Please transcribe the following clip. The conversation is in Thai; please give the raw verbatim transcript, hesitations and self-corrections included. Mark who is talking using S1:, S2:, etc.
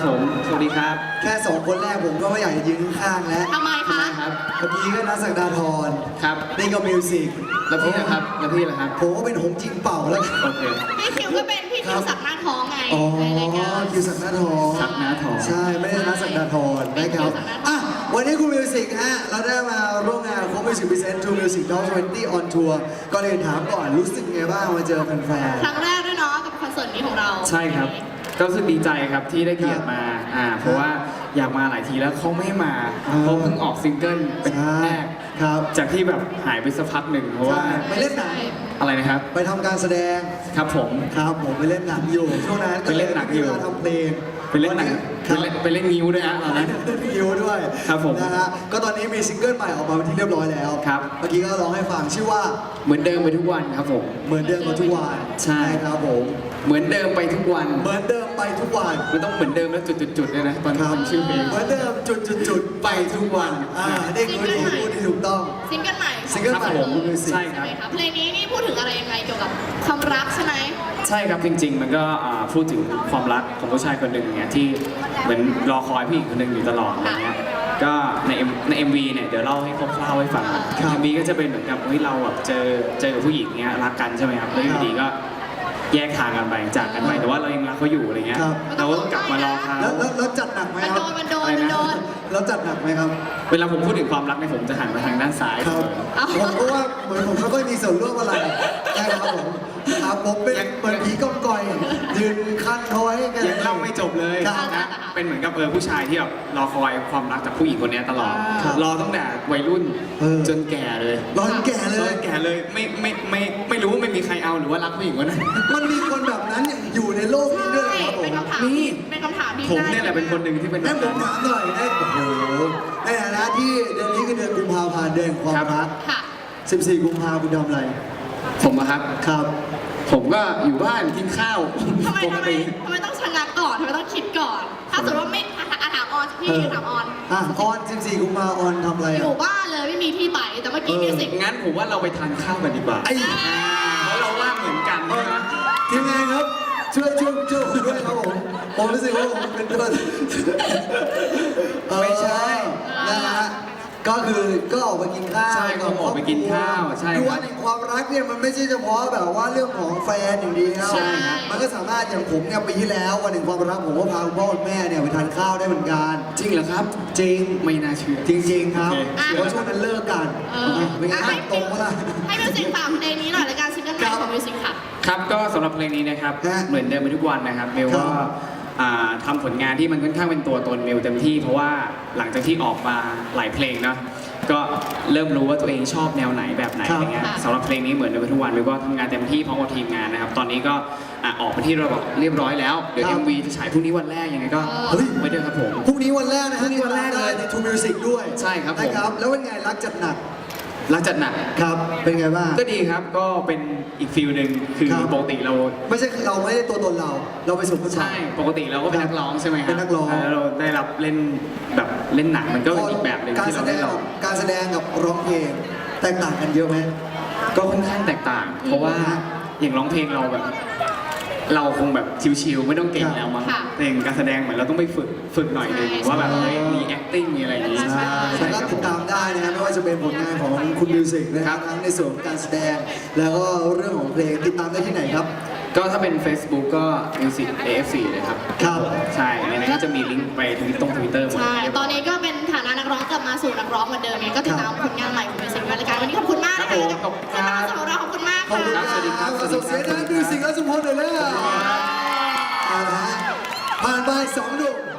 S1: ผมสวัสดีครับ
S2: แค่สองคนแรกผมก็ไม่อยากจะยืนข้างๆแล้ว
S3: ทำไมคะ
S1: ครับ
S2: เมื่อกี้ก็นักศักดาธร
S1: ครับ
S2: นี่ก็มิวสิก
S1: แล้วพี่นะครับแล้วพี่ล่ะครับ
S2: ผมก็เป็นหงจิงเป่าแล้ว
S1: โอเค
S3: พี่คิวก็เป็นพี่คิวสักหน้าท้องไง
S2: อ๋อ
S3: ในรายการ
S2: คิวสักดาธร
S1: สักหน้าทอง
S2: ใช่ไม่ได้นักศักดาธรนะครับอ่ะวันนี้คุณมิวสิกฮะเราได้มาร่วมงานโค้ชมิวสิกพรีเซนต์ ทู Music ยี่สิบ on Tour ก็เลยถามก่อนรู้สึกไงบ้างมาเจอแฟนๆ
S3: ครั้งแรกด้วยเนาะกับคอนเสิร์ตนี้ของเรา
S1: ใช่ครับก็รู้สึกดีใจครับที่ได้เกียรติมาอ่าเพราะว่าอยากมาหลายทีแล้วเขาไม่ให้มาเพราะเพิ่งออกซิงเกิลเป็นแรก
S2: ครับ
S1: จากที่แบบหายไปสักพักหนึ่งเพราะว่า
S2: ไปเล่นหนัง
S1: อะไรนะครับ
S2: ไปทำการแสดง
S1: ครับผม
S2: ครับผมไปเล่นหนังอยู่ช่วงนั้นก็
S1: ไปเล่นหนังอยู่
S2: เวลาทำเพลง
S1: ไปเล่นหนัง
S2: ค
S1: ไป
S2: รับ
S1: เล่นไปเล่นนิ้วด้วยฮะตอนนั้น
S2: เล่นคิวด้วย
S1: ครับผม
S2: นะฮะก็ตอนนี้มีซิงเกิลใหม่ออกมาเป็นที่เรียบร้อยแล้ว
S1: ครับ
S2: เมื่อกี้ก็ร้องให้ฟังชื่อว่า
S1: เหมือนเดิมไปทุกวันครับผม
S2: เหมือนเดิมมาทุกวัน
S1: ใช่
S2: ครับผม
S1: เหมือนเดิมไปทุกวัน
S2: เหมือนเดิมไปทุกวัน
S1: มันต้องเหมือนเดิมแล้วจุดๆๆด้วยนะตอน
S2: ครับ
S1: ทำชื่อเพลง
S2: เหมือนเดิมจุดจุดจุดๆๆไปทุกวันอ่าได้คุยที่พูดที่ถูกต้อง
S3: ซิงเกิลใหม่
S2: ซิงเกิลใหม่ของคุณมิวสิก
S1: ใช่ค
S3: ใช่
S1: รับ
S3: ไหมคะเพลงนี้นี่พูดถึงอะไรยังไงเกี่ยวกับความรักใช่ไหม
S1: ใช่ครับจริงๆ มันก็อ่าพูดถึงความรักของผู้ชายคนหนึ่งเนี่ยที่เหมือนรอคอยผู้หญิงคนหนึ่งอยู่ตลอดอะไรเงี้ยก็ใน M ใน เอ็ม วี เนี่ยเดี๋ยวเล่าให้คร่าวๆให้ฟัง
S2: ครับ
S1: เอ็มวีก็จะเป็นเหมือนกับเฮ้ยเราแบบเจอเจอกับผู้หญิงเนี้ยรักกันใช่ไหมครับแล้วอยู่ดีก็แยกทางกันไปจากกันไปแต่ว่าเรายังรักเขาอยู่อะไรเงี้ย
S2: ครับ
S1: เราก็ต้องกลับมารอเขา
S2: แล้วแล้วแล้วจัดหนักไหม
S3: มัน
S2: ค
S3: โด
S2: รับ
S3: นมันโดนมันโดน
S2: แล้วจัดหนักไหมครับ
S1: เวลาผมพูดถึงความรักเนี่ยผมจะหันมาทางด้านซ้าย
S2: ครับ
S3: เอา
S2: ผมก็ว่าเหมือนผมไม่ค่อยมีส่วนร่วมอะไรนะครับผมครับผมเป็นเหมือนผีก้องกอยยืนคันเขาไว้กัน
S1: ยังเล่าไม่จบเลย
S2: ครับ
S1: นะเป็นเหมือนกับเออผู้ชายที่แบบรอคอยความรักจากผู้หญิงคนเนี้ยตลอด
S2: ครับ
S1: รอตั้งแต่วัยรุ่น
S2: เออ
S1: จนแก่เลย
S2: ร้อนแก่เล
S1: จ
S2: ย
S1: นแก่เลยไม่ไม่ไม่ไม่รู้ว่าไม่มีใครเอาหรือว่ารักผู้หญิงคนนั้น
S2: มันมีคนแบบนั้นอยู่ในโลกนี้ด้วยเหรอครับผม
S3: เป็นคำถาม
S1: นี่
S3: เป็นคำถามที่
S1: ผมเนี่ยแหละเป็นคนหนึ่งที่เป็น
S2: ให้ผมถามหน่อยได้โอ้โหในฐานะที่เดือนนี้คือเดือนกุมภาพันธ์เดือนแห่งความรัก
S3: ค่ะ
S2: สิบสี่ กุมภาพันธ์คุณทำอะไร
S1: ผมอะครับ
S2: ครับ
S1: ผมก็อยู่บ้านกินข้าว
S3: ทำไม
S1: ปก
S3: ทำไม
S1: ติ
S3: ทำไมต้องชะงักก่อนทำไมต้องคิดก่อน ถ้าสมมติว่าไม่อ่ะอ่ะถามออนพี่ถามออน
S2: อ่ะออน สิบสี่ กุมภาพันธ์ออนทำอะไร
S3: อ
S2: อ่ะ
S3: ยู่บ้านเลยไม่มีที่ไปแต่เมื่อกี้มิวสิก
S1: งั้นผมว่าเราไปทานข้าวกันดีกว่า
S2: ไอ้
S1: เพราะเราว่างเหมือนกันใช่ไหม
S2: ทีมงานครับ ช่วยช่วยช่วยผมด้วยครับผมผมรู้สึกว่าผมเป็นตัวไม่ใช่นะฮะก็คือก็ออกไปกินข้าว
S1: ใช่ก็ออกไปกินข้าวใช่
S2: คือ
S1: ค
S2: วั
S1: รั
S2: น
S1: บ
S2: แห่งความรักเนี่ยมันไม่ใช่เฉพาะแบบว่าเรื่องของแฟนอย่างเดียว
S1: ใช่ครับ
S2: มันก็สามารถอย่างผมเนี่ยปีที่แล้ววันแห่งความรักผมก็พาคุณพ่อคุณแม่เนี่ยไปทานข้าวได้เหมือนกัน
S1: จริงเหรอครับ
S2: จริง
S1: ไม่น่าเชื่อ
S2: จริงๆครับ
S1: โอเค
S2: เพราะช่วงนั้นเลิกกัน
S3: เออ
S2: เป็นไง
S3: อ่ะให้
S2: ตรงเมื่อไหร่
S3: ให้มิวสิกฝากเพลงนี้หน่อยรายการซิงเกิลใหม่ของมิวสิกค่ะ
S1: ครับก็สำหรับเพลงนี้นะครับ
S2: ฮะ
S1: เหมือนเดิมไปทุกวันนะครับเมล
S2: ครั
S1: ก็
S2: บ
S1: อ่าทำผลงานที่มันค่อนข้างเป็นตัวตนเมลเต็มที่ เพราะว่าหลังจากที่ออกมาหลายเพลงเนาะก็เริ่มรู้ว่าตัวเองชอบแนวไหนแบบไหน
S2: ครับ
S1: อะไรเงี้ย
S3: ค่ะ
S1: สำหรับเพลงนี้เหมือนเดิมไปทุกวันเมลก็ทำงานเต็มที่พร้อมกับทีมงานนะครับ ตอนนี้ก็อ่ะออกไปที่ระบบเรียบร้อยแล้วเดี๋ยว
S2: ครับ
S1: เอ็มวีจะฉายพรุ่งนี้วันแรกยังไงก็
S2: เฮ้ย
S1: ไว้ด้วยครับผม
S2: พรุ่งนี้วันแรกนะ
S1: พรุ่
S2: ฮะ
S1: งนี้วันแรกเลย
S2: ใน ทู มิวสิก ด้วย
S1: ใช่ครับผม
S2: นะครับ แล้วเป็นไงรักจัดหนัก
S1: รักจัดหนัก
S2: ครับ เป็นไงบ้าง
S1: ก็ดีครับก็เป็นอีกฟิลหนึ่งคือ
S2: ครับ
S1: ปกติเรา
S2: ไม่ใช่เราไม่ได้ตัวตนเรา เราไปสู่ผู้ชา
S1: ใช่
S2: ย
S1: ปกติเราก็เป็นนักร้องใช่ไหมครับ
S2: เป็นนักร้อง
S1: แล้วเราได้รับเล่นแบบเล่นหนังมันก็เป็นอีกแบบหนึ่ง
S2: การ
S1: ที่
S2: แส
S1: เรา
S2: ด
S1: ได้
S2: ง
S1: ลอง
S2: การแสดงกับร้องเพลงแตกต่างกันเยอะไหม
S1: ก็ค่อนข้างแตกต่าง เพราะว่าอย่างร้องเพลงเราแบบ เราคงแบบชิวๆไม่ต้องเก่งแล้วมั้ง
S3: ค่ะ
S1: แต่อย่างการแสดงเหมือนเราต้องไปฝึกฝึกหน่อยหนึง
S3: ใช่
S1: ว่าแบบเฮ้ยมี acting มีอะไรอย่างงี้
S3: ใช่
S1: ใช่
S2: ก็
S1: ครับผ
S2: ติด
S1: ม
S2: ตามได้นะครับไม่ว่าจะเป็นผลงานของคุณมิวสิกนะค
S1: ครั
S2: รับบ ทั้งในส่วนของการแสดง แล้วก็เรื่องของเพลงติดตามได้ที่ไหนครับ
S1: ก็ถ้าเป็น Facebook ก็ Music เอ เอฟ ซี เลยครับ
S2: ครับ
S1: ใช่ในนั้นก็จะมีลิงก์ไปทวิตตรงทวิตเตอร์หมด
S3: ใช่ ตอนนี้ก็เป็นฐานะนักร้องกลับมาสู่นักร้องเหมือนเดิมเองก็ติดตามผลงานใหม่ของมิวสิกในรายการวันนี้ขอบคุณมาก
S1: ครับ
S3: นะ
S1: ผม
S3: คะ
S1: ขอบคุณครับ
S3: สำหรับเราขอบคุณมาก
S2: ขอบคุณ
S3: ค่ะ
S2: ครับ
S1: สวัสดีครับ
S2: ส่งเสียงดังมิวสิกและสุพลเลยเลยเอาละฮะผ่านไปสองหนุ่ม